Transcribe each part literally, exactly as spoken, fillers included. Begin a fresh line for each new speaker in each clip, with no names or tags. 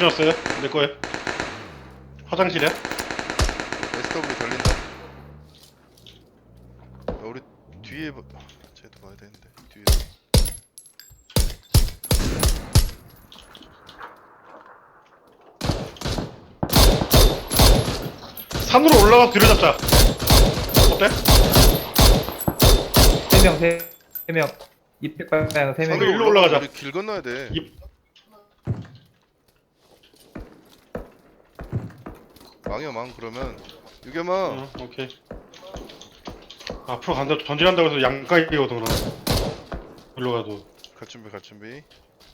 지났어요? 내 거에. 화장실에?
에스더블유 달린다. 야, 우리 뒤에 봐- 아, 쟤도 봐야 되는데 뒤에.
산으로 올라가서 뒤를 잡자. 어때?
세 명, 세 명. 이백 방향 세 명.
산으로 일로 올라가자.
우리 길 건너야 돼.
이-
망이야 망 그러면 유겸아.
어, 오케이. 앞으로 간다, 전진한다고 해서 양가이거든, 그럼. 일로 가도.
갈 준비 갈 준비.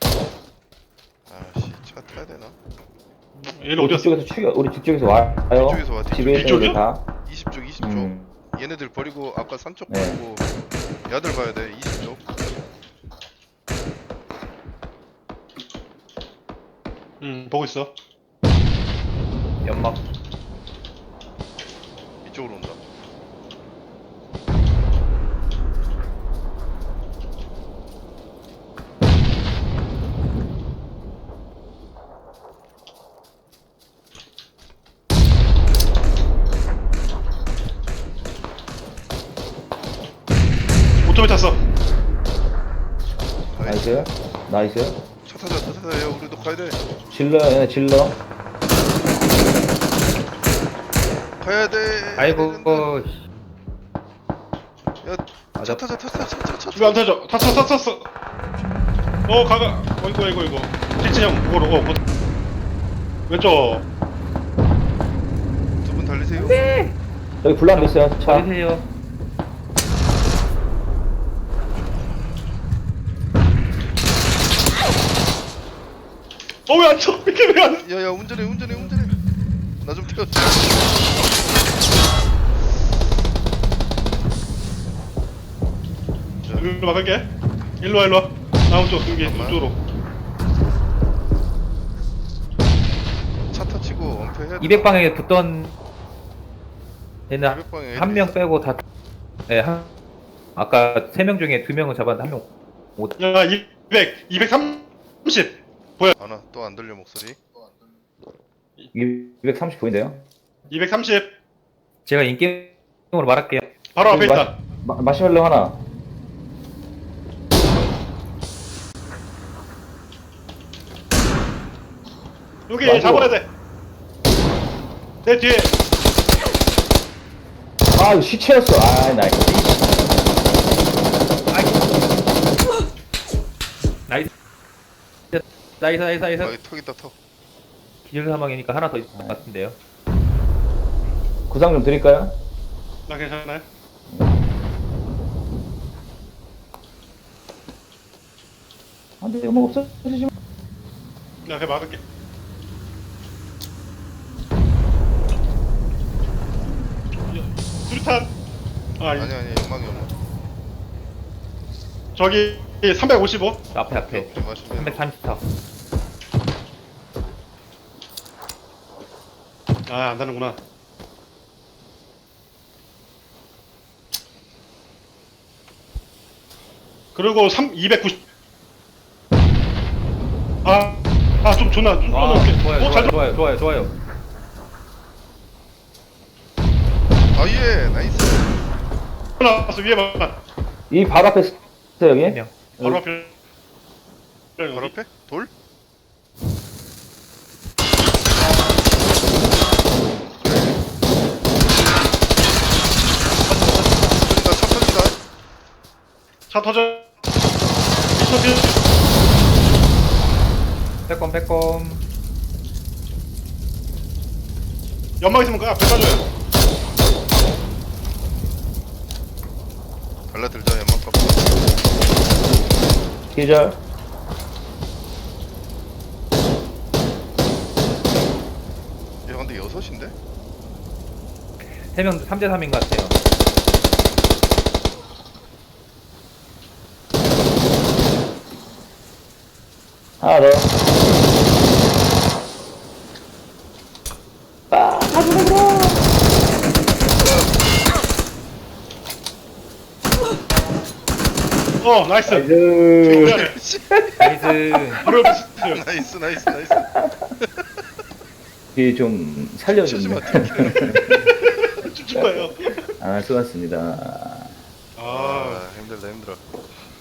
아씨 차 타야 되나?
얘는 어디 갔어?
뒤쪽에서 추격, 우리 뒤쪽에서 와요.
뒤쪽에서 와, 뒤쪽.
집에 있는
뒤쪽이요?
애들 다.
이십 쪽 이십 쪽.
음.
얘네들 버리고 아까 산쪽
네.
버리고 야들 봐야 돼. 이십 쪽.
응, 보고 있어.
연막.
이쪽으로 온다.
오토바이 탔어.
나이스. 나이스.
차 타자 차 타자. 야 우리도 가야 돼.
질러, 얘네 질러.
가야 돼.
아이고,
되는데.
어, 씨.
야차
맞아.
타자 차 타자 차 타자 차
왜 안
타자.
타죠? 탔어, 탔어, 탔어. 어, 가가. 어이구, 어이구, 어이구. 택진 형, 그거로, 어, 뭐. 왼쪽.
두 분 달리세요.
여기 불나고 있어요, 차.
버리세요.
어, 왜 안 쳐? 이렇게 왜 안.
야야 운전해 운전해 운전해. 나 좀 태워줘.
일로 막을게. 일로 와, 일로 와. 다음 쪽, 여기,
잠깐만.
이쪽으로.
차 터치고 엄폐해야 돼.
이백 방향에 붙던 얘는
이백 방향에
한 명 빼고 다. 예, 한. 아까 세 명 중에 두 명은 잡았는데 한 명. 못.
야, 이백, 이백삼십.
아나 또 안 들려 목소리.
이백삼십 보인대요.
이백삼십.
제가 인게임으로 말할게요.
바로 앞에
마-
있다.
마, 마시멜로 하나.
여기
맞아.
잡아야 돼. 내 뒤에.
아, 이거 시체였어. 아, 나이스.
나이스. 나이스, 나이스, 나이스.
아, 턱 있다 턱.
기절 사망이니까 하나 더 있을 것 같은데요.
구상 좀 드릴까요?
나 괜찮아요?
안 돼, 연막 없어지지 마.
나 그냥 막을게. 수류탄. 아,
아니 아니 연막이 연막.
저기 삼백오십오.
앞에, 앞에.
오케이 마시면.
삼백삼십사.
아, 안 되는구나. 그리고 삼 이백구십. 아, 아, 좀 존나 좀
아,
쏘놓을게.
좋아요,
어, 잘
좋아요, 좋아요, 좋아요, 좋아요.
아예 나이스.
나왔어 위에만.
이 바로 앞에 있어, 여기.
한 명.
바로 앞에.
바로 앞에 돌. 터진다 차 터진다.
차 터져. 미쳐지.
빼꼼, 빼꼼.
연막 있으면 그 앞에 가줘요.
달라들자 연막 값.
기절.
야 근데 여섯인데?
세 명, 삼 대 삼인 것 같아요.
하나 더. 아, 가져가, 그럼.
어, 나이스.
나이스.
미안해.
나이스.
바로 옆에 있어요.
나이스 나이스 나이스.
이 좀 살려주면.
쭉 가요.
아, 수고하셨습니다.
아,
아 힘들다 힘들어.